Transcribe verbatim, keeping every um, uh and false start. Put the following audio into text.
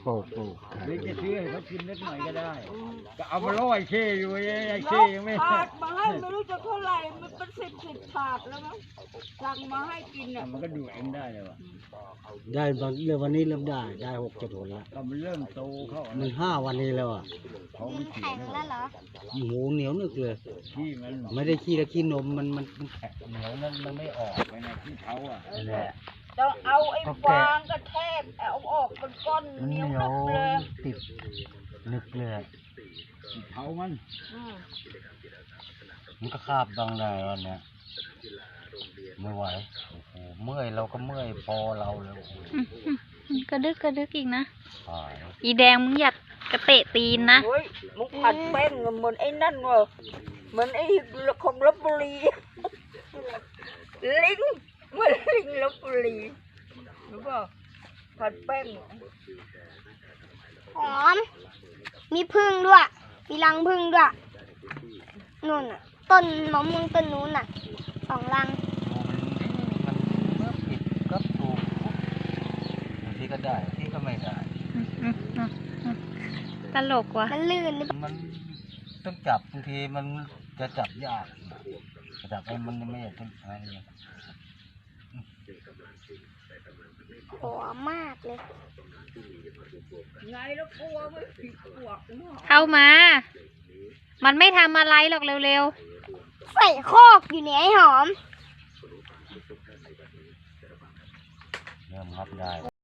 ปลูกปลูกหรือจะซื้อให้เขากินนิดหน่อยก็ได้ก็เอามาล่อยเช่อยู่ไอ้เช่ยังไม่ถาดมาให้ไม่รู้จะเท่าไหร่มันเป็นสิบสิบถาดแล้วมั้งสั่งมาให้กินอ่ะมันก็ดูเองได้เลยวะได้บางเรื่องวันนี้เริ่มได้ได้หกเจ็ดผลแล้วก็มันเริ่มโตเข้ามันห้าวันนี้แล้วอ่ะเขาไม่เขียนแล้วเหรอหมูเหนียวนึกเลยที่มันไม่ได้ขี้แล้วขี้นมมันมันมันแข็งเหนียวนั่นมันไม่ออกไปในที่เขาอ่ะนั่นแหละต้องเอาไอ้ฟางกระแทกเอาออกเป็นก้อนมันเหเหนีนียวยวนึกเลยติดนึกเลยที่เขามันอืมมันก็คาบบางได้วันเนี้ยไม่ไหวโอ้โหเมื่อยเราก็เมื่อยพอเราแล้วกระดึกกระดึกอีกนะหายอีแดงมึงอยากกระเตะตีนนะเฮ้ยมึงผัดแป้งเหมือนไอ้นั่นวะเหมือนไอ้ของลพบุรีลิงเหมือนลิงลพบุรีรู้ป่ะผัดแป้งหอม มีพึ่งด้วย มีรังพึ่งด้วยนู่นน่ะ ต้นมะม่วงต้นนู้นน่ะสองรังมันเมื่อผิดก็ถูกบางทีก็ได้บางทีก็ไม่ได้ตลกว่ะ มันลื่นมันต้องจับบางทีมันจะจับยากจะจับไอ้มันไม่อยากต้องอะไรอย่างเงี้ยหอมมากเลยไงแล้วกลัวไม่ผิดปวกเนาะเข้ามา มันไม่ทำอะไรหรอกเร็วๆ ใส่โคกอยู่เนี่ยไอ้หอมเริ่มรับได้